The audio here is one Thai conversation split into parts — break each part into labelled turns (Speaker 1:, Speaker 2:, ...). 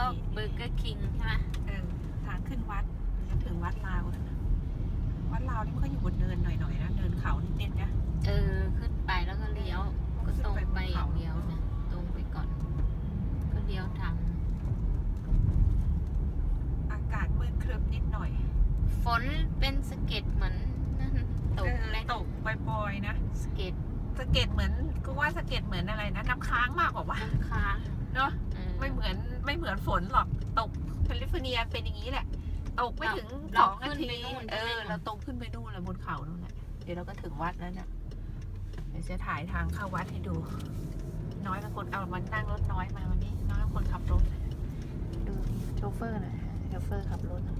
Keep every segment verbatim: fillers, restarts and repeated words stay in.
Speaker 1: ก็เบอร์เกอร์คิงใช่ไหม
Speaker 2: เออทางขึ้นวัดจะถึงวัดลาวแล้วนะวัดลาวนี่มันก็อยู่บนเนินหน่อยๆนะเนินเขานิดๆนะ
Speaker 1: เออขึ้นไปแล้วก็เลี้ยวก็ตรงไปอย่างเดียวนะตรงไปก่อนก็เลี้ยวทาง
Speaker 2: อากาศมืดครึ้มนิดหน่อย
Speaker 1: ฝนเป็นสะเก็ดเหมือนนั่นตกแรง
Speaker 2: ตกปล่อยๆนะ
Speaker 1: สะเก็ด
Speaker 2: สะเก็ดเหมือนก็ว่าสะเก็ดเหมือนอะไรนะน้ำค้างมากกว่าว่า
Speaker 1: ค้าง
Speaker 2: เนาะไม่เหมือนไม่เหมือนฝนหรอกตกแคลิฟอร์เนียเป็นอย่างนี้แหละตกไม่ถึงสองนาทีเออเราตรงขึ้นไปนู่นแล้วบนเขานู่นแหละเดี๋ยวเราก็ถึงวัดแล้วเนี่ยเดี๋ยวจะถ่ายทางเข้าวัดให้ดูน้อยเป็นคนเอามันนั่งรถน้อยมาวันนี้น้อยเป็นคนขับรถดูโชเฟอร์หน่อยโชเฟอร์ขับรถ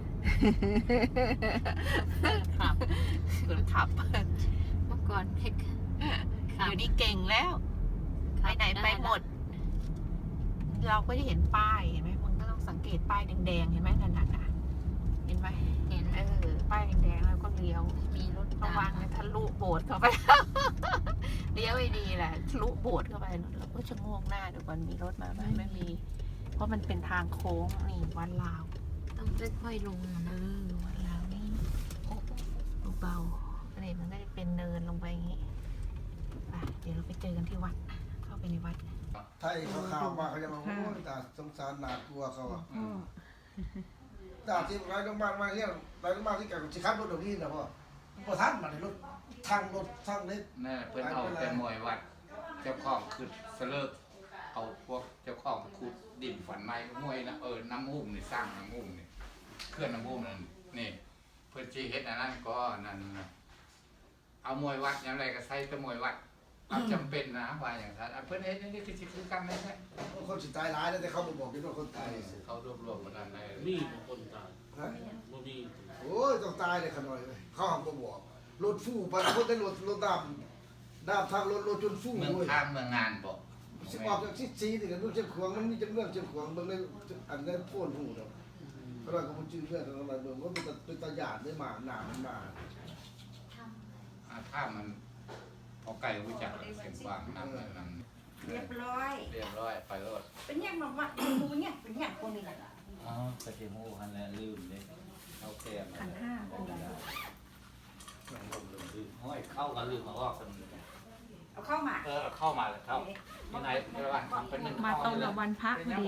Speaker 1: ขับ
Speaker 2: คนขับ
Speaker 1: เมื่อก่อนเด็ก
Speaker 2: อยู่ดีเก่งแล้วไปไหนไปหมดเราก็จะเห็นป้ายเห็นไหมมึงก็ต้องสังเกตป้ายแดงๆเห็นไหมนั่นน่ะเห็นไหม
Speaker 1: เห็น
Speaker 2: เออป้ายแดงๆแล้วก็เลี้ยว
Speaker 1: มีรถ
Speaker 2: ระวังนะทะลุโบสถ์เข้าไปเลี้ยวไม่ดีแหละทะลุโบสถ์เข้าไปเราก็ชะโงกหน้าดูก่อนมีรถมาไหมไม่มีเพราะมันเป็นทางโค้งนี่วัดลาว
Speaker 1: ต้องค่อยๆลง
Speaker 2: เออวัดลาวนี่เบาๆอันนี้มันก็จะเป็นเนินลงไปอย่างนี้ไปเดี๋ยวเราไปเจอกันที่วัดเข้าไปในวัด
Speaker 3: ไทยเขาข่าวมาเขาจะมาโอ้ยตาสงสารหนาตัวเขาอ่ะตาที่ไรต้องบ้านมาเนี่ยไรต้องบ้านที่แกจะขับรถเดี๋ยวนี้นะพ่อพ่อท่านมาในรถทางรถทางเล็ก
Speaker 4: นั่นเพิ่นเอาแต่มวยวัดเจ้าของคือเสลิกเอาพวกเจ้าของขุดดินฝันไม้มวยนะเออน้ำหุ้มนี่สร้างน้ำหุ้มนี่เคลื่อนน้ำหุ้มนั่นนี่เพิ่นจีเฮ็ดอันนั้นก็นั่นนะเอามวยวัดอย่างไรก็ใช้แต่มวยวัดเอาจำเป็นนะว่าอย่างนั้นเพื่อนเห็นนี่คือคือกันเลยใช่
Speaker 3: คนสุดท้ายร้ายแล้วแต่เขาบอกกันว่าคนตาย
Speaker 4: เขารวบรวมมาดันได้
Speaker 5: มีคนตาย
Speaker 3: ฮะ
Speaker 5: มี
Speaker 3: โอ้ยต้องตายเลยขน่อยเลยเขาห้ามบอกรถฟู่ไปคนได้รถรถดำดำทางรถรถจนฟู่
Speaker 4: เมืองทางเมืองงานบอก
Speaker 3: สิบอกจากที่ซีถึงกันลูกเจ้าขวงมันมีจังเรื่องเจ้าขวงเมืองในอันนั้นพ่นหูเนาะเขาเลยก็มันชื่อเรื่องอะไรเมืองก็เป็นเป็นตาหยาดได้มาหนามันมา
Speaker 4: ถ้ามันพอไก่รู้จักเสียงวางนั่นนั่น
Speaker 6: เรียบร้อย
Speaker 4: เรียบร้อยไปรถ
Speaker 6: เป็นยังมาว่าดูเนี่ยเป็นยังคนนี้แหละ
Speaker 4: อ๋อสเตมูฮันแล้วลืมเลยเอาแก้ม
Speaker 2: ขันห้าเป็นยัง
Speaker 4: ลืมห้อยเข้ากันลืมมาออกกัน
Speaker 6: เอาเข้ามา
Speaker 4: เออเข้ามาเลยเข้ายังไงในวันทำเป็นหนึ่ง
Speaker 2: มาตรงกับวันพระพอดี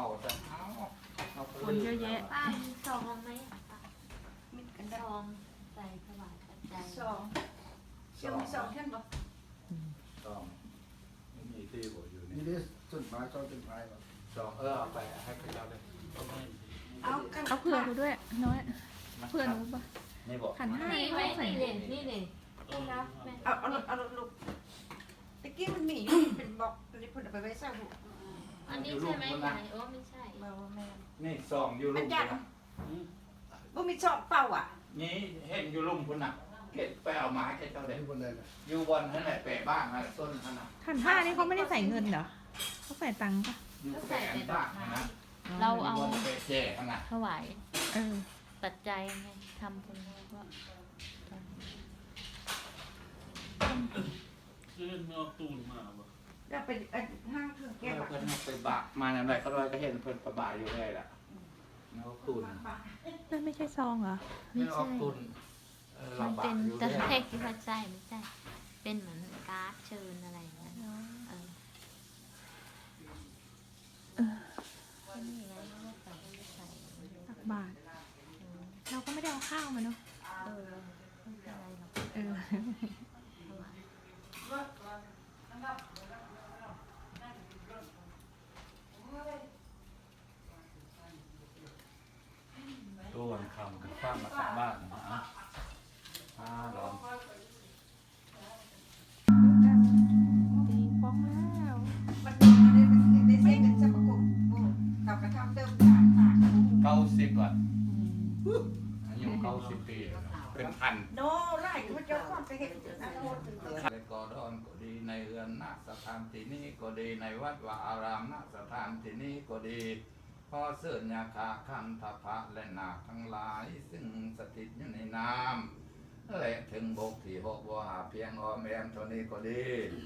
Speaker 2: คนเยอะแยะ
Speaker 1: ป้ามีซองไหมมีกันซองใส่ถวายปัจจัย
Speaker 6: ซองเชื่อมซองเช่นบ่
Speaker 4: ซองมีที่บ่อยู่นี่
Speaker 3: นี่ดิต้นไม้ต้นต้นไม้บ่
Speaker 4: ซองเออเอาไปให้ไปเราเลย
Speaker 6: เอา
Speaker 2: เขาเผื่อกูด้วยน้อยเผื่อหนูป่ะ
Speaker 4: นี่บอก
Speaker 2: ขันห้า
Speaker 1: นี่ไหมนี่เลยนี่เลย
Speaker 6: เอาเอาเอาลูกตะกี้มันมีอยู่เป็นบอกรีบพูดไปไว้ใส่หู
Speaker 1: อันนี้ใช่ไหมไหนโอ้ไม่ใช่
Speaker 6: แม่แม่
Speaker 4: นี่ซองอยู่ลุ่มนะ
Speaker 6: บ่มีซองเปล่าอ่ะ
Speaker 4: นี่เห็นอยู่ลุ่มคุณน่ะเก็บไปเอาไม้แค่เจ้าเด็ก
Speaker 3: บนเลย
Speaker 4: อยู่บนนั่นแหละแปะบ้างนะต้นนั่นน่ะ
Speaker 2: ขันห้านี่เขาไม่ได้ใส่เงินเหรอเขาใส่ตังค์ป่ะ
Speaker 4: อยู่แปะบ้างนะ
Speaker 1: เราเอา
Speaker 4: แจกนะ
Speaker 1: ถวายเออปัจจัยไงทำบุญก็
Speaker 5: เพื่อนเอาตูนมาบ่
Speaker 6: แล้วเป็นห้างเครื่องแก้ว
Speaker 4: เพื่อนไปบะมาอะไรเขาเลยก็เห็นเพื่อนประบายอยู่เลยล่ะเอาตุน
Speaker 2: นั่นไม่ใช่ซองเหรอ
Speaker 4: ไม่ใช่ตุน
Speaker 1: มันเป็นตะแคกที่ว่าใช่ไม่ใช่เป็นเหมือนการ์ดเชิญอะไรอย่างเงี้ยเออเออนี่ไงไม่ใส่ไม่ใส่
Speaker 2: ตักบาทเราก็ไม่ได้เอาข้าวมาเนาะ
Speaker 1: เออไม่เป็นไรหรอก
Speaker 2: เออ
Speaker 4: ตัววันคำคือฟ้ามาสักบ้านนะอ่าร้อน
Speaker 2: ตีฟ้องแล้ว
Speaker 6: มันได้ได้เส้นเป็นสมกุลกับกระทำเดิมต่างต่าง
Speaker 4: เก้าสิบวันอายุเก้าสิบปีเป็นพัน
Speaker 6: โนไล่พระเจ้าข้ามไปเห็นนะโน
Speaker 4: ในกอดอนก็ดีในเรือนนักสถานที่นี้ก็ดีในวัดวาอารามนักสถานที่นี้ก็ดีพอเสื่อยาคาคันทพะและนาทั้งหลายซึ่งสถิตอยู่ในน้ำและถึงบกที่หกว่าเพียงออมแอมเท่านี้ก็ดีพ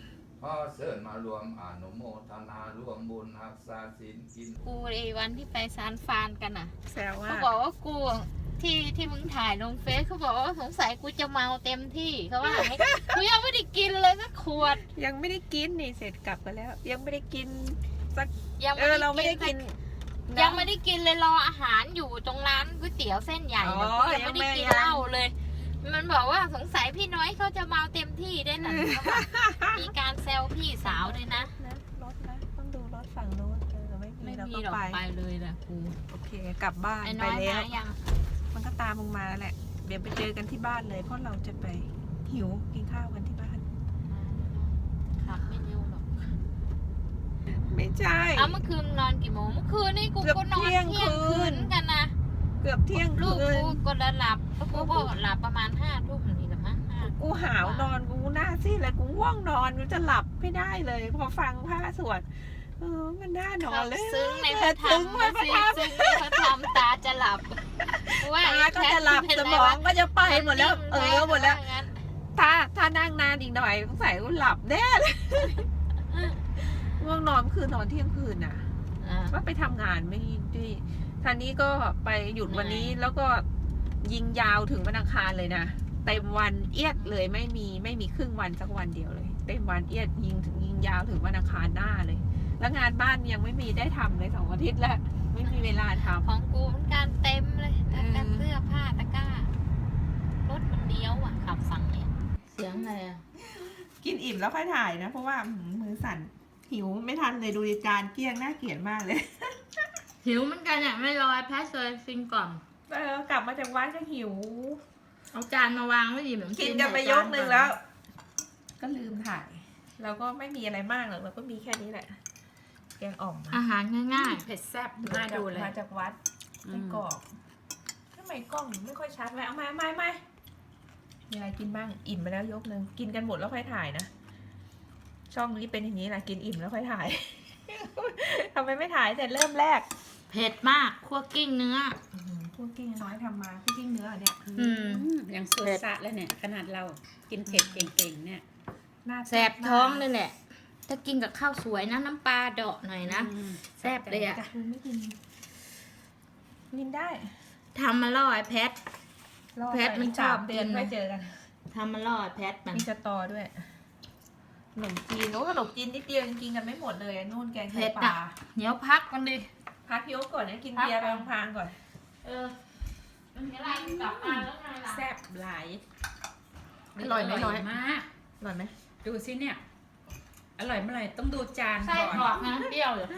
Speaker 4: อเชิญมารวมอนุโมทนารวมบุญรักษาศีลกิน
Speaker 1: กูไอ้วันที่ไปซานฟานกันอ่ะ
Speaker 2: แซวว่า
Speaker 1: เขาบอกว่ากูที่ที่มึงถ่ายลงเฟซเขาบอกว่าสงสัยกูจะเมาเต็มที่เขาว่าอย่างนี้ กูยังไม่ได้กินเลยสักขวด
Speaker 2: ยังไม่ได้กินนี่เสร็จกลับกันแล้ว ยังไม่ได้กินสัก
Speaker 1: ยัง
Speaker 2: เออเราไม่ได้กิน
Speaker 1: ยังไม่ได้กินเลยรออาหารอยู่ตรงร้านก๋วยเตี๋ยวเส้นใหญ่
Speaker 2: อ๋
Speaker 1: นะ
Speaker 2: อ
Speaker 1: กูยังไม่ได้กิน
Speaker 2: ยังไม่
Speaker 1: เหล้าเลย มันบอกว่าสงสัยพี่น้อยเขาจะเมาเต็มที่ได้วยนะเขาบอกมีการแซวพี่สาวด้วยนะ
Speaker 2: นะรถนะต้องดูรถฝั่งโน้นเออไม่มี
Speaker 1: ไม่
Speaker 2: เรา
Speaker 1: มี
Speaker 2: ก็
Speaker 1: หรอก
Speaker 2: ไป
Speaker 1: ไปเลยนะกู
Speaker 2: โอเคกลับบ้าน
Speaker 1: ไอ้
Speaker 2: ไป
Speaker 1: น้อย
Speaker 2: แล้ว
Speaker 1: มายัง
Speaker 2: มันก็ตามมึงมาแหละ เดี๋ยวไปเจอกันที่บ้านเลย เพราะเราจะไปหิวกินข้าวกันที่บ้าน
Speaker 1: ขับไม่เร็วหรอก
Speaker 2: ไม่ใช่
Speaker 1: เอาเมื่อคืนนอนกี่โมงเมื่อคืนนี่กู
Speaker 2: เกือบ
Speaker 1: ก็นอน
Speaker 2: เที่
Speaker 1: เที่
Speaker 2: ย
Speaker 1: ย
Speaker 2: ง
Speaker 1: ง
Speaker 2: คื
Speaker 1: คื
Speaker 2: น
Speaker 1: นกันนะ
Speaker 2: เกือบเที่ยง
Speaker 1: ลูก
Speaker 2: คืน
Speaker 1: กูก็ละหลับแล้วกูก็หลับประมาณห้าทุ่มนี่แหละมั้งห้า
Speaker 2: กูหาวนอนกูหน้าซีดเลยกูง่วงนอนกูจะหลับไม่ได้เลย พอฟังพระสวดเออมันน่านอนเลย
Speaker 1: ซึ้งในพระธรร
Speaker 2: ซึ้
Speaker 1: ม
Speaker 2: งในพระ
Speaker 1: สิ
Speaker 2: ธรรม
Speaker 1: ซึ้งในพระธรรมตาจะหลับว่า
Speaker 2: ตาก็จะหลับสมองก็จะไปหมดแล้ว เออหมดแล้ว ถ้าถ้านั่งนานอีกหน่อยสงสัยกูหลับแน่เลยง่วงนอนคือนอนเที่ยงคืนน่ะ ว่าไปทำงานไม่ได้ท่านนี้ก็ไปหยุดวันนี้แล้วก็ยิงยาวถึงวันอังคารเลยนะเต็มวันเอียดเลยไม่มีไม่มีครึ่งวันสักวันเดียวเลย เต็มวันเอียดยิงถึงยิงยาวถึงวันอังคารหน้าเลย แล้วงานบ้านยังไม่มีได้ทำเลยสองอาทิตย์แล้วไม่มีเวลาทำ
Speaker 1: ของกูมันการเต็มเลย
Speaker 2: เออ
Speaker 1: การเสื้อผ้าตะกร้ารถมันเลี้ยวอ่ะขับฝั่งเนี่ยเสียงอะไรอ่ะ
Speaker 2: กินอิ่มแล้วค่อยถ่ายนะ เพราะว่ามือสั่นหิวไม่ทันเลยดูจานเกลี้ยงน่าเกลียดมากเลย
Speaker 1: หิวเหมือนกันอ่ะไม่รอแพทเลยซิงก่อน
Speaker 2: เออกลับมาจากวัดก็หิว
Speaker 1: เอาจานมาวางไว้ดิเหมือน
Speaker 2: กินกันไปยกหนึ่งแล้ว ก็ลืมถ่าย เราก็ไม่มีอะไรมากหรอกเราก็มีแค่นี้แหละ แกงอ่อม
Speaker 1: อาหารง่าย
Speaker 6: เผ็ดแซ่บน่าดูเลย
Speaker 2: มาจากวัดไม่กรอกทำไมกล้องไม่ค่อยชัดเลยเอามาไม่ไม่มีอะไรกินบ้างอิ่มไปแล้วยกหนึ่งกินกันหมดแล้วค่อยถ่ายนะช่องนี้เป็นอย่างนี้แหละกินอิ่มแล้วค่อยถ่าย ทำไมไม่ถ่ายแต่เริ่มแรก
Speaker 1: ๆ เผ็ดมากคั่วกิ้งเนื้อ
Speaker 2: อื้อหือพวกกิ้งน้อยทำมาพวกกิ้งเนื้อเนี่ย
Speaker 1: อืม
Speaker 6: ยังสุดสะแล้วเนี่ย ขนาดเรากินเผ็ดเก่งๆเนี่ย
Speaker 2: หน้า
Speaker 1: แสบท้องเลยแหละ ถ้ากินกับข้าวสวยนะน้ำปลาเดาะหน่อยนะ แซ่บเลยอะ
Speaker 2: จ้ะไม่กินกินได้
Speaker 1: ทำมาล่อไอ้แพท
Speaker 2: รอ
Speaker 1: แพทมัน
Speaker 2: ไปสาม
Speaker 1: ชอบ
Speaker 2: เดือน
Speaker 1: กินนะ
Speaker 2: ไม่เจอกัน
Speaker 1: ทำมาล่อไอ้แพทมัน
Speaker 2: มีสตอด้วยขนมจีนโอ้ขนมจีนนิดเดียวยังกินกันไม่หมดเลยอะนู่นแกงไข่ปลา
Speaker 1: เดี๋ยวพักกันดิ
Speaker 2: พักยกก่อนนะกินเบียร์ไปพางๆก่อน
Speaker 1: เออ มันมีอะไรกลับมาแล้วไงล่ะ
Speaker 6: แซ่บหลาย
Speaker 2: อร่อยไหมน้อย
Speaker 6: มาก
Speaker 2: อร่อยไหม
Speaker 6: ดูสิเนี่ย อร่อยเมื่อไหร่ต้องดูจาน
Speaker 1: ไส้
Speaker 6: ก่อน
Speaker 1: กรอกนะเปรี้ยวอยู่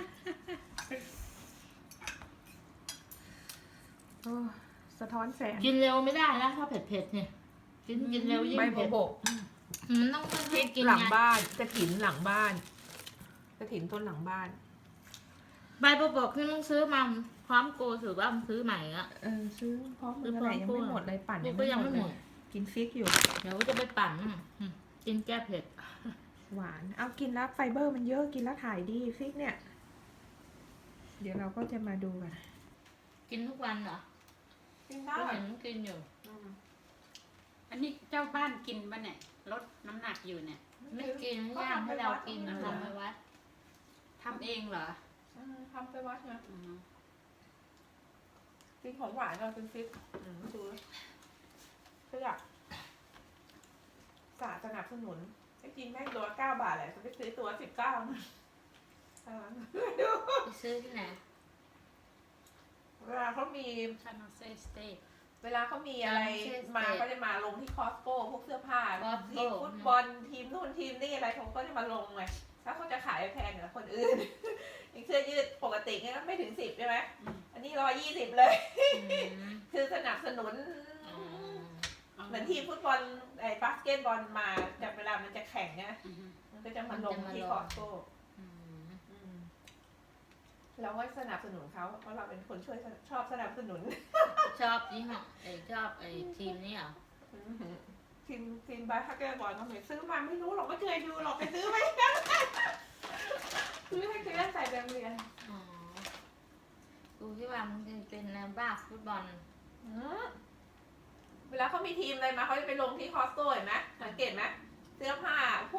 Speaker 2: โอ้สะท้อนแสง
Speaker 1: กินเร็วไม่ได้นะถ้าเผ็ดๆเนี่ยกินกินเร็วยิ่ง
Speaker 2: ใบ
Speaker 1: เผ็ด
Speaker 2: โบก
Speaker 1: มันต้อง
Speaker 2: พริ
Speaker 1: ค่อย
Speaker 2: ก
Speaker 1: ๆกิน
Speaker 2: หลัง
Speaker 1: ไง
Speaker 2: บ้านกระถินหลังบ้านกระถินต้นหลังบ้าน
Speaker 1: ใบโบกที่มึงซื้อมาพร้อมโกถือว่ามึงซื้อใหม่อะ
Speaker 2: เออซื้อพร้อม
Speaker 1: ซื้
Speaker 2: มื
Speaker 1: อ
Speaker 2: อ
Speaker 1: พร้
Speaker 2: อะ
Speaker 1: อ
Speaker 2: ไร
Speaker 1: ม
Speaker 2: ยัง
Speaker 1: กู้
Speaker 2: ไม่หมดเลยปั่น
Speaker 1: กูก็ยังไม่หมด
Speaker 2: เลยกินฟิกอยู่
Speaker 1: เดี๋ยวจะไปปั่นอืมอืมกินแก้เผ็ด
Speaker 2: หวาน เอากินแล้วไฟเบอร์มันเยอะกินแล้วถ่ายดีฟิกเนี่ย เดี๋ยวเราก็จะมาดูกัน
Speaker 1: กินทุกวันเหรอ
Speaker 2: กิน
Speaker 1: ก็
Speaker 2: ได้
Speaker 1: เห็นมึงกินอยู่
Speaker 6: อันนี้เจ้าบ้านกินปะเนี่ยลดน้ำหนักอยู่เนี่ย
Speaker 1: ไม่กินย่างให้เรากินทำไปวัด
Speaker 6: ทำเองเหรอ
Speaker 2: อืมทำไปวัดนะ
Speaker 6: อืม
Speaker 2: กินของหวานเราเป็นฟิกอืมดูเพื่อสาสนับสนุนให้กินแม่งตัวเก้าบาทแหละจะไปซื้อตัวสิบเก้านะเออดู
Speaker 1: ไปซื้อที่ไหน
Speaker 2: เวลาเขามี
Speaker 6: คาโนเซสเต็ก
Speaker 2: เวลาเขามีอะไร
Speaker 1: เช่น
Speaker 2: มา
Speaker 1: สเตท
Speaker 2: ก็จะมาลงที่คอสโก้พวกเสื้อผ้า
Speaker 1: Costco
Speaker 2: ทีมฟุตบอลทีมนู่นทีมนี่อะไรเขาก็จะมาลงไงถ้าเขาจะขายแพงกว่าคนอื่น อย่างเสื้อยืดปกติเนี่ยก็ไม่ถึงสิบใช่ไหมอันนี้ร้อยยี่สิบเลย
Speaker 1: อืม
Speaker 2: คือสนับสนุน
Speaker 1: อืม
Speaker 2: เหมือนทีมฟุตบอลไอ้บาสเกตบอลมาจากเวลามันจะแข่งนะ
Speaker 6: อืม
Speaker 2: มันก็จะมาลงที่คอสโก้
Speaker 1: อืม
Speaker 2: อืมเราก็สนับสนุนเขาเพราะเราเป็นคนช่วยชอบสนับสนุน
Speaker 1: ชอบยี่ห้อไอชอบไอทีมนี้เหรอ
Speaker 2: ทีมทีมบาสเกตบอลเขาไม่ซื้อมาไม่รู้หรอกไม่เคยดูหรอกไปซื้อไหม ซื้อให้เคยใส่แบบเรียน
Speaker 1: อ๋อกูที่ว่ามันเป็นแนวบ้าฟุตบอล
Speaker 2: อืมเวลาเขามีทีมอะไรมาเขาจะไปลงที่คอสโก้เห็นไหมสังเกตไหมเสื้อผ้าพวก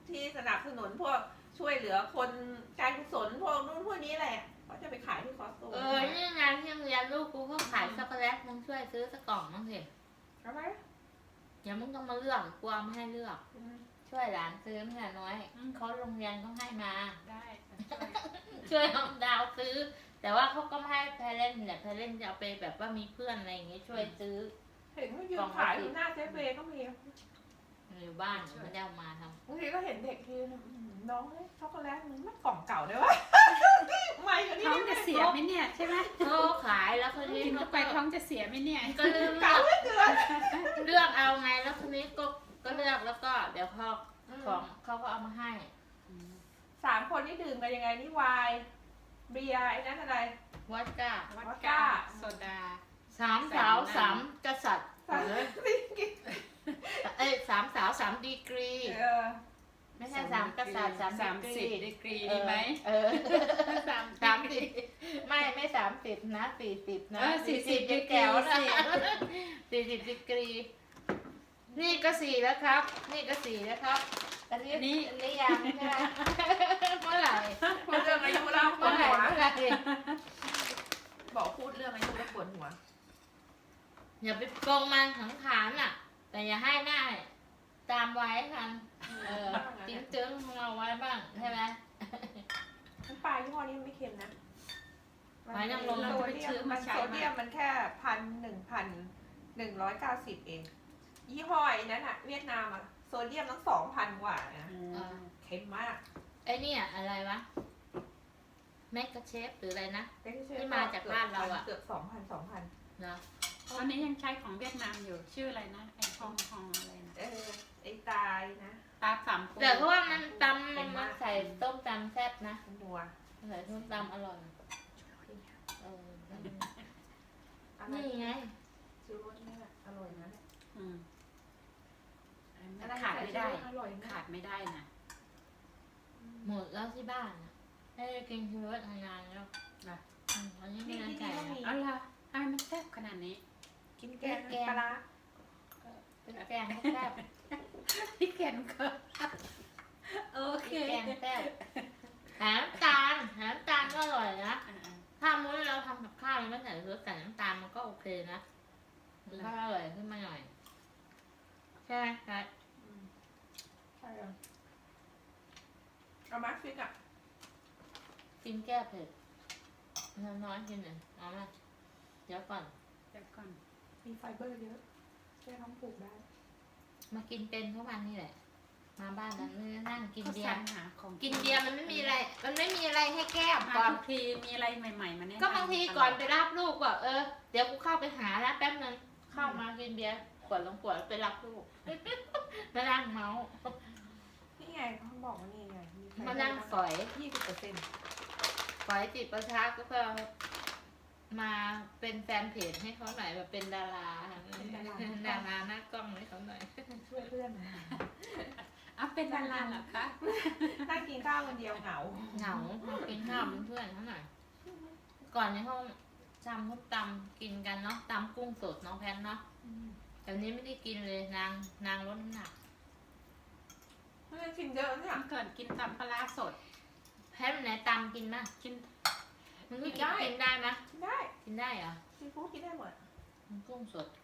Speaker 2: ที่สนับสนุนพวกช่วยเหลือคนการกุศลพวกนู้นพวกนี้แหละเขาจะไปขายที่คอสโต
Speaker 1: เออนี่งานที่โรงเรียนลูกกูก็ขายช็อกโกแลตมึงช่วยซื้อสักกล่องมั้งสิ
Speaker 2: ทำไม
Speaker 1: อย่ามึงต้องมาเลือกกูเอามาให้เลือก
Speaker 2: อืม
Speaker 1: ช่วยหลานซื้อไม่ใช่น้อยเขาโรงเรียนเขาให้มา
Speaker 6: ได้ค่ะ
Speaker 1: ช่วยเอาดาวซื้อ แต่ว่าเขาก็ไม่ให้แพรเล่นแหละแพรเล่นจะเอาไปแบบว่ามีเพื่อนอะไรอย่างเงี้ยช่วยซื้อ
Speaker 2: เห็นเขายืนขายอยู่หน้าเจ๊เบย์ก็มี
Speaker 1: อยู่บ้านไม่ได้เอามาท
Speaker 2: บางทีก็เห็นเด็กยืนอืมน้องเลยช็อกโกแลตมันไม่กล่องเก่าได้วะ ไม่กันนี่
Speaker 6: ท้องจะเสียไหมเนี่ยใช่ไหม
Speaker 1: ำเขาขายแล้วคนนี้
Speaker 6: กิน
Speaker 1: เขา
Speaker 6: เข้าไปท้องจะเสียไหมเนี่ย
Speaker 1: ก็เลือก
Speaker 2: เก่าเหลือเกิน
Speaker 1: เลือกเอาไงแล้วคนนี้ก็ก็เลือกแล้วก็เดี๋ยวพอของเขาก็เอามาให้
Speaker 2: สามคนนี่ดื่มกันยังไงนี่ไวน์เบียร์ไอ้นั่นอะไร
Speaker 1: วัดก้า
Speaker 6: วัดก้าโซดา
Speaker 1: สามสาวสามกษัตริย์
Speaker 2: สาม
Speaker 1: เออ
Speaker 2: สิกิน
Speaker 1: เอ้ยสามสาวสามดีกรี
Speaker 2: เออ
Speaker 1: ไม่ใช่สามกษัตริย์สาม
Speaker 6: สาม
Speaker 1: ดี
Speaker 6: สิบ
Speaker 1: กรี
Speaker 6: ดีกรีดีไหม
Speaker 1: เออ
Speaker 6: สาม
Speaker 1: สามสิบไม่ไม่สามสิบนะสี่สิบนะ
Speaker 6: เออสี่สิบดีกรี
Speaker 1: แก้วนะสี่สิบดีกรี นี่ก็สี่แล้วครับ นี่ก็สี่แล้วครับ อันนี้
Speaker 6: นี่
Speaker 1: อันนี้ยังใช่ไหมเมื่อไหร่
Speaker 2: พูดเรื่องอายุแล้วปว
Speaker 1: เมื่อ
Speaker 2: ด
Speaker 1: ไหร่
Speaker 2: หัว
Speaker 1: เมื่อไหร่
Speaker 2: บอกพูดเรื่องอายุแล้วปวดหัว
Speaker 1: อย่าไปโกงมันขังขานอ่ะ แต่อย่าให้หน้าตามไว้กันเออจิ้งจึ้งของเราไว้บ้างใช่ไหม
Speaker 2: น้ำปลายี่ห้อนี้มันไม่เค็มนะ
Speaker 1: ไว้นางรม
Speaker 2: โซเดียมมันโซเดียมมันแค่พันหนึ่งพันหนึ่งร้อยเก้าสิบเอง ยี่ห้อไอ้นั้นอะเวียดนามอะโซเดียมตั้งสองพันกว่านะ
Speaker 6: อืม
Speaker 2: เค็มมาก
Speaker 1: ไอ้เนี่ยอะไรวะแมกกาเชฟหรืออะไรนะ
Speaker 2: เป็น
Speaker 1: ที่มาจากบ้านเราอะ
Speaker 2: เกือบสองพันสองพัน
Speaker 1: เนาะ
Speaker 6: ตอนนี้ยังใช้ของเวียดนามอยู่ชื่ออะไรนะไอฮองฮองอะไรนะ
Speaker 2: เออไอ้ตายนะ
Speaker 6: ตาสามปู
Speaker 1: แต่เพราะว่ามันตำมันมาใส่ต้มตำแซ่บนะ
Speaker 2: มันนัว
Speaker 1: ใส่ต้มตำอร่อยเออ
Speaker 2: อะไร
Speaker 1: นี่ไง
Speaker 2: ชูรสเนี่ยอร่อยนะ
Speaker 6: อืม
Speaker 2: อะไร
Speaker 6: ขาดไม่ได้
Speaker 2: อร่อยนะ
Speaker 6: ขาดไม่ได้นะ
Speaker 1: หมดแล้วที่บ้านอะได้กินชีวิตนานๆแล้ว
Speaker 6: นะ
Speaker 1: อืมอันนี้ไม่
Speaker 2: นี่
Speaker 1: ได้
Speaker 2: ที่
Speaker 1: ใส่
Speaker 2: นี่ก็มี
Speaker 6: เอาล่ะทำไมมันแซ่บขนาดนี้
Speaker 2: กินแกงปลาร้า
Speaker 1: เป็นแกงแซ่บ
Speaker 6: พี่แกนก็โอเค
Speaker 1: แกงแซ่บหาน้ำตาลหาน้ำตาลก็อร่อยนะ
Speaker 6: อ่า
Speaker 1: ถ้ามื้อเราทำกับข้าวไม่ใส่รสใส่น้ำตาลมันก็โอเคนะมันก็อร่อยขึ้นมาหน่อยใช่ไหมครับ
Speaker 2: อืมใช่อะเอามาฟิกอะ
Speaker 1: กินแก้เผ็ดน้อยๆกินหนึ่งเอามาเดี๋ยวก่อน
Speaker 6: ๆเดี๋ยวก่อน
Speaker 2: มีไฟเบอร์เยอะช่วยท้องผูกได้
Speaker 1: มากินเป็นทุกวันนี่แหละ มาบ้านนั้นนั่งกิน
Speaker 6: เขา
Speaker 1: เบีย
Speaker 6: สรร
Speaker 1: ร์
Speaker 6: หาของ
Speaker 1: กินเบียร์มันไม่มีอะไร มันไม่มีอะไรให้แก้ม
Speaker 6: มา
Speaker 1: ก่อน
Speaker 6: ทุกทีมีอะไรใหม่ๆมาแนะนำ
Speaker 1: ก็บางทีก่อนไปรับลูกว่าเออเดี๋ยวกูเข้าไปหาแล้วแป๊บนึงเข้ามากินเบียร์ขวดลงขวดไปรับลูก มานั่งเมาส์
Speaker 2: นี่ไงเขาบอกว่านี่ไงไฟเบอร์
Speaker 1: มานั่งฝอย
Speaker 2: ยี่สิบเปอร์เซ็นต์
Speaker 1: ฝอยจิตประชาก็เพื่อมาเป็นแฟนเพจให้เขาหน่อยแบบเป็นดาราดาราหน้ากล้องให้เขาหน่อย
Speaker 2: ช่วยเพื่อน
Speaker 6: อ่ะเป็นดาราเหรอคะ
Speaker 2: นั่งกินข้าวคนเดียวเหงา
Speaker 1: เหงามากินข้าวเป็นเพื่อนเขาหน่อย ก่อนในห้องจำเขาตำกินกันเนาะตำกุ้งสดน้องแพนเนาะแต่นี้ไม่ได้กินเลยนางนางลดน้ำหนัก
Speaker 2: เพื่อนกินเยอะเนี่ย
Speaker 6: เมื่อก่อนกินตำปลาร้าสด
Speaker 1: แพนไหนตำกินมาก
Speaker 6: กิน
Speaker 1: มึงไม่กินกินได้ไหม
Speaker 2: กินได้
Speaker 1: กินได้เหรอ
Speaker 2: ซีฟู้ดกินได้หมด
Speaker 1: มันกุ้งสด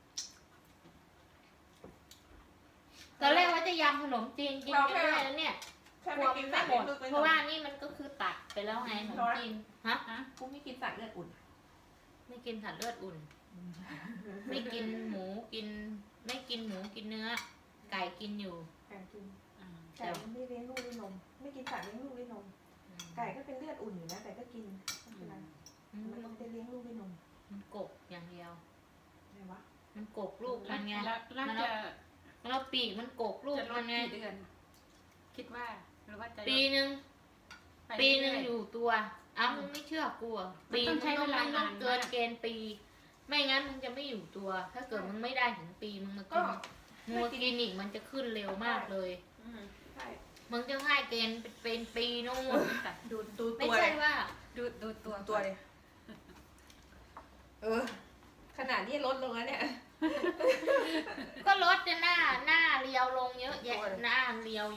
Speaker 1: ตอนแรกว่าจะยำขนมจีนกินไม่ได้แล้วเนี่ย
Speaker 2: แค่
Speaker 1: ก
Speaker 2: ไม่
Speaker 1: ลัว
Speaker 2: กิน
Speaker 1: ไม่
Speaker 2: สัตว์
Speaker 1: หม
Speaker 2: เลือ
Speaker 1: ด
Speaker 2: ดลึกไป
Speaker 1: เพราะว่านี่มันก็คือตักไปแล้วไงขนมจีนฮะ
Speaker 6: ฮะ
Speaker 2: กูไม่กินสัตว์เลือดอุ่น
Speaker 1: ไม่กินผัดเลือดอุ่น ไม่กินหมูกิน ไม่กินหมูกินเนื้อ ไก่กินอยู่
Speaker 2: ไก่กิน
Speaker 6: อ่า
Speaker 2: ไก่มันไม่เลี้ยงลูกด้วยนม ไม่กินสัตว์เลี้ยงลูกด้วยนม ไก่ก็เป็นเลือดอุ่นอยู่นะแต่ก็กินไม่เป็นไร
Speaker 1: อืม
Speaker 2: มันไม่ได้เลี้ยงลูกด้วยนม
Speaker 1: มันกบอย่างเดียว
Speaker 2: อะไรวะ
Speaker 1: มันกบลูกมันไง
Speaker 6: แล้วแล้ว
Speaker 1: มัน
Speaker 6: จะ
Speaker 1: แล้วปีกมันกบลูก
Speaker 6: จะล
Speaker 1: มั
Speaker 6: ด
Speaker 1: นไง
Speaker 6: กี่เดือน คิดว่าหรือว่าจะลด
Speaker 1: ปีหนึ่ง
Speaker 6: ไป
Speaker 1: ปีหนึ่ง
Speaker 6: เรื่ๆ
Speaker 1: อยู่ตัวอ้าวมึงไม่เชื่อกูเหรอ
Speaker 6: มัน
Speaker 1: ปี
Speaker 6: ต้องใช้เวลา
Speaker 1: มึงต้อง
Speaker 6: นาน
Speaker 1: เกิน
Speaker 6: มาก
Speaker 1: เกณฑ์ปี ไม่งั้นมึงจะไม่อยู่ตัว ถ้าเกิดมึงไม่ได้ถึงปีมึงมากินมึงมากินอีกมันจะขึ้นเร็วมากเลย
Speaker 6: อืม
Speaker 2: ใช่
Speaker 1: มึงจะให้เกณฑ์เป็นปีนู่น
Speaker 2: ดูดู
Speaker 1: ไม่
Speaker 2: ตัว
Speaker 1: ใช่
Speaker 2: เลย
Speaker 1: ว่า
Speaker 6: ดูดูตัว
Speaker 2: ดูตัวเลยเออ ขนาดนี้ลดลงแล้วเนี่ย
Speaker 1: ก็ลดจะหน้าหน้าเรียวลงเยอะแยะ
Speaker 2: โอ้ย
Speaker 1: หน้าเรียวยง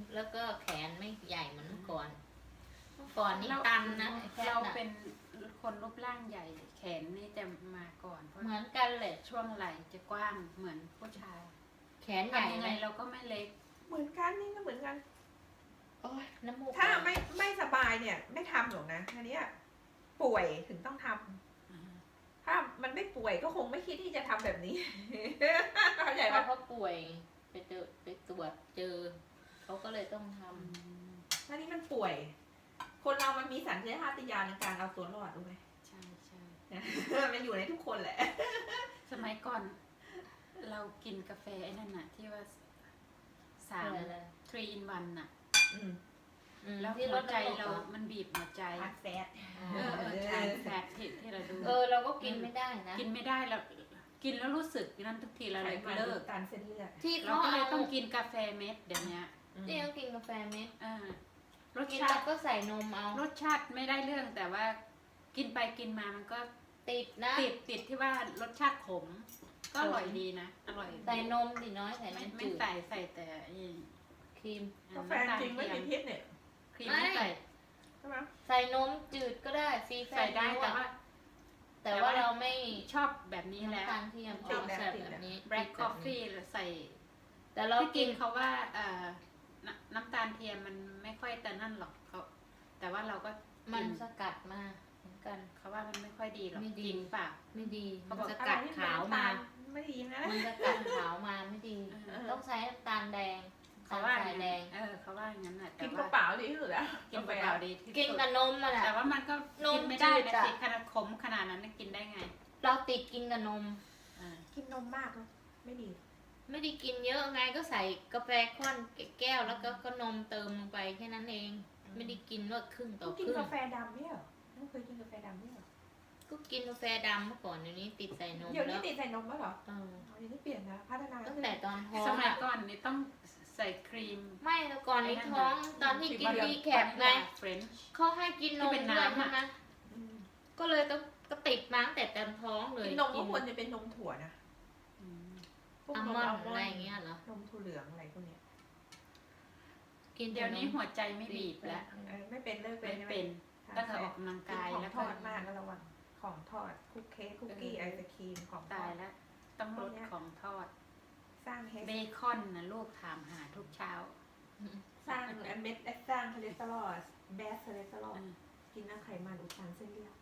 Speaker 1: แล้วก็แขนไม่ใหญ่เหมือนเมื่อก่อนเมื่อก่อนนี่
Speaker 7: เรา
Speaker 1: ตันนะไอ้แพท
Speaker 7: เรา
Speaker 1: ย์น่ะ
Speaker 7: เป็นคนรูปร่างใหญ่ แขนนี่จะมาก่อนเพราะ
Speaker 1: เหมือนกันเลย
Speaker 7: ช่วงไหล่จะกว้างเหมือนผู้ชาย
Speaker 1: แขนใหญ่
Speaker 7: ทำยัง
Speaker 1: เล
Speaker 7: ไง
Speaker 1: ย
Speaker 7: เราก็ไม่เล็ก
Speaker 6: เหมือนกันนี่ก็เหมือนกัน
Speaker 1: โอ้ยน้ำมูก
Speaker 6: ถ้าไม่ไม่สบายเนี่ย ไม่ทำหรอกนะอันเนี้ยป่วยถึงต้องทำถ้ามันไม่ป่วยก็คงไม่คิดที่จะทำแบบนี้ เข้าใจ
Speaker 1: เพ
Speaker 6: ปะ
Speaker 1: ราะเขาป่วยไปเจอไปตรวจเจอเขาก็เลยต้องทำ
Speaker 6: อันนี้มันป่วย คนเรามันมีสัญชาตญาณในการเอาตัวรอดรู้ไหม
Speaker 7: ใช่ใช่
Speaker 6: มันอยู่ในทุกคนแหละ
Speaker 7: สมัยก่อน เรากินกาแฟไอ้นั่นน่ะ ที่ว่าสาม
Speaker 1: อะไร
Speaker 7: three in one น่ะ
Speaker 6: อืม
Speaker 1: อืม
Speaker 7: แล้ว
Speaker 1: ที่
Speaker 7: หั
Speaker 1: ร
Speaker 7: ว
Speaker 1: ถ
Speaker 7: ใจ
Speaker 1: น้ำมูก
Speaker 7: เรา
Speaker 1: เหรอ
Speaker 7: มันบีบหัวใจ
Speaker 6: ทานแฟต
Speaker 7: เออเออทานแฟตที่ที่เราดู
Speaker 1: เออเราก็กินไม่ได้นะ
Speaker 7: กินไม่ได้เรากินแล้วรู้สึกนั้นทุกทีเราเลยเลิก
Speaker 6: การเส้นเลือด
Speaker 1: ที่
Speaker 7: เรา
Speaker 1: เขา
Speaker 7: ก็เลย
Speaker 1: เอา
Speaker 7: ต้องกินกาแฟเม็ดเดี๋ยวนี้
Speaker 1: ที่เขากินกาแฟเม็ด
Speaker 7: เออรส
Speaker 1: กิน
Speaker 7: ชา
Speaker 1: แล้ว
Speaker 7: ติ
Speaker 1: ก็ใส่นมเอา
Speaker 7: รสชาติไม่ได้เรื่องแต่ว่ากินไปกินมามันก็
Speaker 1: ติดนะ
Speaker 7: ติดติดที่ว่ารสชาติขม ก็อร่อยดีนะอร่อย
Speaker 1: ใส่นมดิน้อยใส่
Speaker 7: ไม่
Speaker 1: น้ำ
Speaker 7: ไม่
Speaker 1: จืด
Speaker 7: ใส่ใส่แต่ไอ้
Speaker 1: ครีม
Speaker 6: กาแฟจริงไม่มีพิษเนี่ย
Speaker 7: ครีมไม่ใส่
Speaker 6: ใช่ไหม
Speaker 1: ใส่นมจืดก็ได้ฟรีแฟ
Speaker 7: ใส่ได้แต่ว่า
Speaker 1: แต่ว่าเราไม่
Speaker 7: ชอบแบบนี้แล้ว
Speaker 1: น้ำตาลเทียมชอบใส่แบบนี้
Speaker 7: black coffee หรือใส่
Speaker 1: แต่เรา
Speaker 7: ที่
Speaker 1: กิ
Speaker 7: กิ
Speaker 1: น
Speaker 7: นเขาว่าเอ่อน้ำน้ำตาลเทียมมันไม่ค่อยแต่นั่นหรอกเขาแต่ว่าเราก็
Speaker 1: มัน
Speaker 7: กิน
Speaker 1: สกัดมาเหมือนกัน
Speaker 7: เขาว่ามันไม่ค่อยดีหรอก
Speaker 1: ไม่ดี
Speaker 7: จริงเปล่า
Speaker 1: ไม่ดี
Speaker 7: เขา
Speaker 1: มัน
Speaker 7: บอก
Speaker 1: สกัดขาวมา
Speaker 6: ไม่ดีนะ
Speaker 1: มันสกัดขาวมาไม่ดี
Speaker 7: เออ
Speaker 1: ต้องใช้น้ำตาลแดง
Speaker 7: เขาว่า
Speaker 1: น้ำตาลแดง
Speaker 7: เออเขาว่าอย่างนั้นแหละแต่
Speaker 6: กินก
Speaker 7: ว่า
Speaker 6: ระเป๋าดีที่สุดแล้ว
Speaker 7: กินเปล่าดีที่
Speaker 1: กิน
Speaker 7: สุด
Speaker 1: กับนมมาแหละ
Speaker 7: แต่ว่ามันก็
Speaker 1: นม
Speaker 7: กินไม่ได้
Speaker 1: จืด
Speaker 7: นะ
Speaker 1: อะ
Speaker 7: สิขนาดขมขนาดนั้นน่ะกินได้ไง
Speaker 1: เราติดกินกับนม
Speaker 7: อ่า
Speaker 6: กินนมมากเลยไม่ดี
Speaker 1: ไม่ได้กินเยอะไงก็ใส่กาแฟข้อนแก้วแล้วก็ก็นมเติมลงไปแค่นั้นเอง ไม่ได้กินว่าครึ่งต่อ
Speaker 6: ต้อง
Speaker 1: ค
Speaker 6: กิน
Speaker 1: รึ่ง
Speaker 6: กาแฟดำเนี่ยเหรอไม่เคยกินกาแฟดำเนี่ยเหรอ
Speaker 1: ก็กินกาแฟดำเมื่อก่อนเดี๋ยวนี้ติดใส่นม
Speaker 6: เดี๋ยวนี้
Speaker 1: แล้ว
Speaker 6: ติดใส่นมแล้วเหรอ
Speaker 1: เออ
Speaker 6: อ๋อเดี๋ยวนี้เปลี่ยนนะพัฒนา
Speaker 1: ตั้งแต่ตอนท้อง
Speaker 7: สมัย
Speaker 1: อะ
Speaker 7: ก่อนนี่ต้องใส่ครีม
Speaker 1: ไม่แต่ก่อนนี้ท้องตอนที่กินดีแคปไง
Speaker 7: เฟรนช์
Speaker 1: เขาให้กินนม
Speaker 7: ที่เป็น
Speaker 1: ด้วย
Speaker 7: น้ำอะ
Speaker 1: ใช่ไหม
Speaker 6: อืม
Speaker 1: ก็เลยต้องก็ติดมาตั้งแต่ตอนท้องเลย
Speaker 6: กินนมก็ควรจะเป็นนมถั่วนะพวก
Speaker 1: อัล
Speaker 6: น
Speaker 1: ม
Speaker 6: ม
Speaker 1: อน
Speaker 6: อัล
Speaker 1: ด์
Speaker 6: ม
Speaker 1: อะ
Speaker 6: อน
Speaker 1: ไร
Speaker 6: ด์
Speaker 1: อย่างเงี้ยเหรอ
Speaker 6: นมถั่วเหลืองอะไรพวกเนี้ย
Speaker 1: กิน
Speaker 7: เดี๋ยวนี้
Speaker 1: แต่ม
Speaker 7: หัวใจไม่บีบแล้ว
Speaker 6: เออไม่เป็นเลิกเป็
Speaker 7: ไม่
Speaker 6: นใช่ไหม
Speaker 7: เป็น
Speaker 6: ทาน
Speaker 7: ตั้งแต่
Speaker 6: แฟ
Speaker 7: ออกกำลัง
Speaker 6: กิน
Speaker 7: กาย
Speaker 6: ของ
Speaker 7: แล้ว
Speaker 6: ท
Speaker 7: ก็
Speaker 6: อดมากก็ระวังของทอดคุกเค้กคุกกี้ไอศครีมของท
Speaker 7: ตา
Speaker 6: อย ด
Speaker 7: แล้ว ต้องลดของทอด
Speaker 6: สร้างเฮส
Speaker 7: เบคอนนะลูกถามหาทุกเช้า
Speaker 6: สร้างเม็ดสร้างคอเลสเตอรอลแบสคอเลสเตอรอล
Speaker 7: อืม
Speaker 6: กินน้ำไขมันอุดตันเส้นเลือด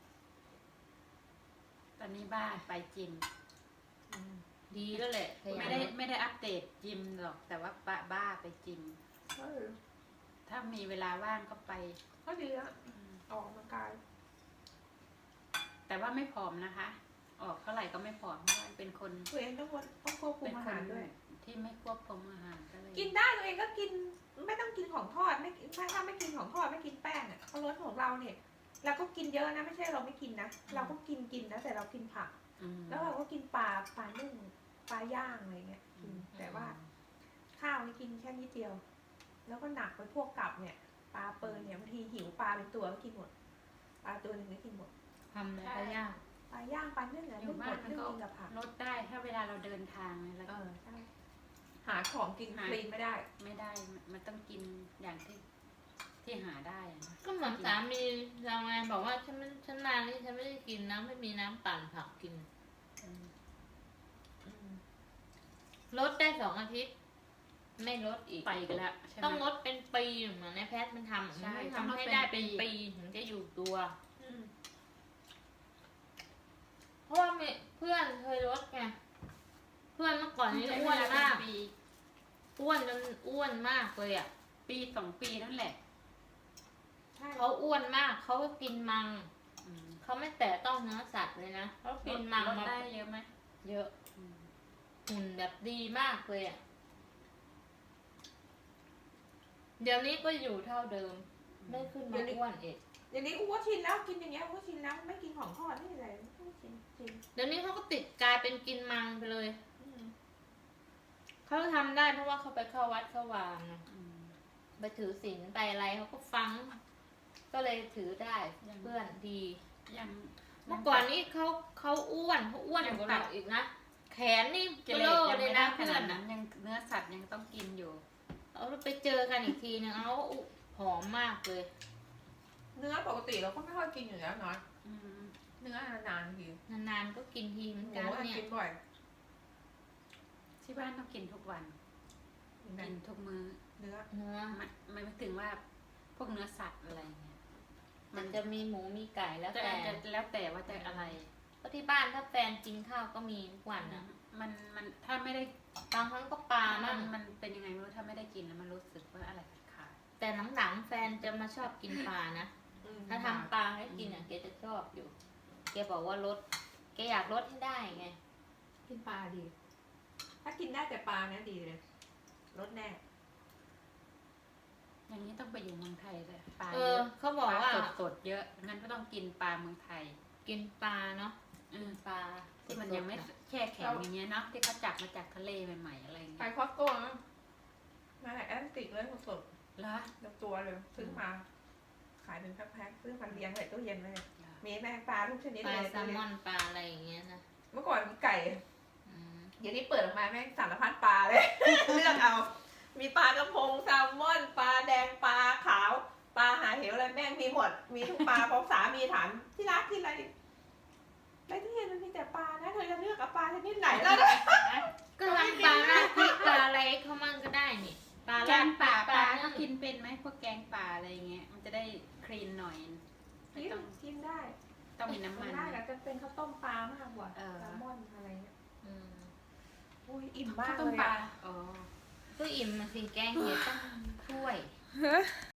Speaker 7: ตอนนี้บ้าไปจิม
Speaker 6: อืม
Speaker 1: ดีแล้วแหละขยัน
Speaker 7: ไม่ได้ไม่ได้อัปเดตจิมหรอก แต่ว่าบ้าบ้าไปจิม
Speaker 6: เออ
Speaker 7: ถ้ามีเวลาว่างก็ไป
Speaker 6: ก็ดีแล้วออกกำลังกาย
Speaker 7: แต่ว่าไม่ผอมนะคะ ออกเท่าไหร่ก็ไม่ผอมเพราะว่าเป็นคน
Speaker 6: ตัวเองต้องควรต้องควบคุ
Speaker 7: เป็
Speaker 6: ม
Speaker 7: น
Speaker 6: อา
Speaker 7: ค
Speaker 6: หาน รด้วย
Speaker 7: ที่ไม่ควบคุมอาหารก็เลย
Speaker 6: กินได้ตัวเองก็กินไม่ต้องกินของทอดไม่ถ้าถ้าไม่กินของทอดไม่กินแป้งอ่ะเขาลดของเราเนี่ยเราก็กินเยอะนะไม่ใช่เราไม่กินนะเราก็กินกินนะแต่เรากินผัก
Speaker 7: อืม
Speaker 6: แล้วเราก็กินปลาปลานึ่งปลาย่างอะไรเงี้ยกินแต่ว่าข้าวนี่กินแค่นิดเดียว แล้วก็หนักไปพวกกับเนี่ยปลาเปิลเนี่ยบางทีหิวปลาเป็นตัวก็กินหมดปลาตัวหนึ่งก็กินหมด
Speaker 1: ทำอะไรก็ยาก
Speaker 6: ปลาย่างปลานึ่งเนี่ย
Speaker 7: อยู่
Speaker 6: นึ่งหม
Speaker 7: บ้าน
Speaker 6: ด
Speaker 7: มัน
Speaker 6: นึ่ง
Speaker 7: ก็
Speaker 6: กินกับผัก
Speaker 7: ลดได้ถ้าเวลาเราเดินทางเนี่ยแล้ว
Speaker 6: เอ
Speaker 7: ก็
Speaker 6: อใช่หาของกินคลีนไม่ได้
Speaker 7: ไม่ได้มันมันต้องกินอย่างที่ที่หาได้อะนะ
Speaker 1: ก็เหมือนสามีเราไงบอกว่าฉันไม่ฉันมานี่ฉันไม่ได้กินน้ำไม่มีน้ำปั่นผักกิน
Speaker 7: อืม
Speaker 6: อืม
Speaker 1: ลดได้สองอาทิตย์ ไม่ลดอีก
Speaker 7: ไปกันแล้วใช่ไหม
Speaker 1: ต้องลดเป็นปีเหมือนในแพทย์มันทำ
Speaker 7: ใช่
Speaker 1: มัน
Speaker 7: ต้อง
Speaker 1: ทำ
Speaker 7: ลด
Speaker 1: ให้
Speaker 7: เป็น
Speaker 1: ได้เป็น
Speaker 7: ปี
Speaker 1: ปีถึงจะอยู่ตัว
Speaker 6: อืม
Speaker 1: เพราะว่ามีเพื่อนเคยลดไงเพื่อนเมื่อก่อนนี้อ้วนมาก
Speaker 7: ปี
Speaker 1: อ้วนจนอ้วนมากเลยอ่ะ
Speaker 7: ปีสองปีนั่นแหละ
Speaker 6: ใช่
Speaker 1: เขาอ้วนมากเขาก็กินมัง
Speaker 7: อืม
Speaker 1: เขาไม่แตะต้องเนื้อสัตว์เลยนะเขากินมัง
Speaker 7: ลด
Speaker 1: มา
Speaker 7: ได้เยอะไหม
Speaker 1: เยอะ
Speaker 7: อืม
Speaker 1: หุ่นแบบดีมากเลยอ่ะเดี๋ยวนี้ก็อยู่เท่าเดิม ไม่ขึ้นมาอ้วนอีก
Speaker 6: อย่างนี้กูก็ชินแล้วกินอย่างเงี้ยกูก็ชินแล้วไม่กินของทอดไม่อะไรกูก็ชินชิน
Speaker 1: เดี๋ยวนี้เขาก็ติดกลายเป็นกินมังไปเลย
Speaker 6: อืม
Speaker 1: เขาทำได้เพราะว่าเขาไปเข้าวัดเข้าวานะ
Speaker 7: อืม
Speaker 1: ไปถือศีลไปอะไรเขาก็ฟัง ก็เลยถือได้เพื่อนดี
Speaker 7: ยัง
Speaker 1: เมื่อก่อนนี้เขาเขาอ้วนเขาอ้วนกว่าเราอีกนะแขนนี่
Speaker 7: เก
Speaker 1: เบ
Speaker 7: ล
Speaker 1: ลอ
Speaker 7: ยัง
Speaker 1: เล
Speaker 7: ไม่
Speaker 1: ย
Speaker 7: ได้
Speaker 1: นะ
Speaker 7: ข
Speaker 1: เพื่อ
Speaker 7: นาด
Speaker 1: น
Speaker 7: นั้
Speaker 1: อ่ะ
Speaker 7: นยังเนื้อสัตว์ยังต้องกินอยู่
Speaker 1: เอเอาไปเจอกันอีกทีนึงเอาอุ๊หอมมากเลย
Speaker 6: เนื้อปกติเราก็ไม่ค่อยกินอยู่แล้วน้อย
Speaker 7: อืม
Speaker 6: เนื้อนานๆที
Speaker 1: นานๆก็กินทีเหมือน
Speaker 6: ห
Speaker 1: กัน
Speaker 6: มู
Speaker 1: เนี่ย
Speaker 6: กินบ่อย
Speaker 7: ที่บ้านต้องกินทุกวัน
Speaker 6: กิน
Speaker 7: กินทุกมื้อ
Speaker 6: เนื้อ
Speaker 1: เนื้อ
Speaker 7: มันมันไม่ถึงว่าพวกเนื้อสัตว์อะไรเงี้ย
Speaker 1: มันจะมีหมูมีไก่แล้ว
Speaker 7: จะ
Speaker 1: แต่
Speaker 7: จะแล้วแต่ว่าจะอะไร
Speaker 1: ก็ที่บ้านถ้าแฟนกินข้าวก็มีทุกวันนะ
Speaker 7: มันมันถ้าไม่ได้
Speaker 1: บางครั้งก็ปลา
Speaker 7: มั
Speaker 1: มั่
Speaker 7: น
Speaker 1: ง
Speaker 7: มันเป็นยังไงไม่รู้ถ้าไม่ได้กินแล้วมันรู้สึกว่าอะไรขาด
Speaker 1: แต่หลังๆแฟนจะมาชอบกินปลานะ
Speaker 6: อืม
Speaker 1: ถ้าทำปลาให้กินอ่ะแกจะชอบอยู่ แกบอกว่าลด แกอยากลดให้ได้ไง
Speaker 6: กินปลาดี ถ้ากินได้แต่ปลาเนี่ยดีเลยรสแน่
Speaker 7: ๆอย่างนี้ต้องไปอยู่เมืองไทยเลยปลา
Speaker 1: เอ
Speaker 7: เย
Speaker 1: อ
Speaker 7: อะ
Speaker 1: เขาบ
Speaker 7: ป
Speaker 1: อก
Speaker 7: ลา
Speaker 1: ว่า
Speaker 7: สดสดๆเยอะงั้นก็ต้องกินปลาเมืองไทย
Speaker 1: กินปลาเนาะ
Speaker 7: อืม
Speaker 1: ปลา
Speaker 7: ที่มันยังไม่
Speaker 1: สดๆอะ
Speaker 7: แช่แข็งอย่างเงี้ยเนาะที่เขาจับมาจากทะเลใหม่ๆอะไรอย่าง
Speaker 6: ไป
Speaker 7: เงี้ย
Speaker 6: คอสโก้นะมาจากแอตแลนติกเลยสด
Speaker 7: เหรอ
Speaker 6: ๆแล้วตัวเลยซื้อมา ขายเป็นแพ็คๆซื้อมาเลี้ยงใส่ตู้เย็นเลยมีแมงปลาทุกชนิด
Speaker 1: ปลา
Speaker 6: เลย
Speaker 1: แซลมอนปลาอะไรอย่างเงี้ยนะ
Speaker 6: เมื่อก่อนมีไก่
Speaker 1: อืม
Speaker 6: เดี๋ยวนี้เปิดออกมาแม่งสารพัดปลาเลย เลือกเอา มีปลากระพงแซลมอนปลาแดงปลาขาวปลาหาเหวอะไรแม่งมีหมด มีทุกปลา พอสามีถามที่รักที่อะไรในที่เย็นมันมีแต่ปลานะเธอจะเลือกเอาปลาชนิดไหนแล้วนะ
Speaker 1: ก็ทำปลาราดพริกปลาอะไรเขามั่งก็ได้นี่ ปลา
Speaker 7: แก
Speaker 1: ราด
Speaker 7: งป่าปลา
Speaker 1: นึ่
Speaker 7: ก็
Speaker 1: ง
Speaker 7: กินเป็นไหมพวกแกงป่าอะไรเงี้ย มันจะได้คลีนหน่อยไม่
Speaker 6: กิน
Speaker 7: ต้อง
Speaker 6: กินได้
Speaker 7: ต้องมีน้ำ
Speaker 6: มั
Speaker 7: มัน น
Speaker 6: ได้แต่จะเป็นข้าวต้มปลามากกว่า
Speaker 7: เออ
Speaker 6: แซลมอนอะไรเงี้ย
Speaker 1: อืม
Speaker 6: อุ้ยอิ่มมา
Speaker 7: ข้าว
Speaker 6: ก
Speaker 7: ต้ม
Speaker 6: เลย
Speaker 7: ปลา
Speaker 6: อะ
Speaker 7: อ๋อ
Speaker 1: ก็อิ่มมาสิแกงเห็ดต้องถ้วย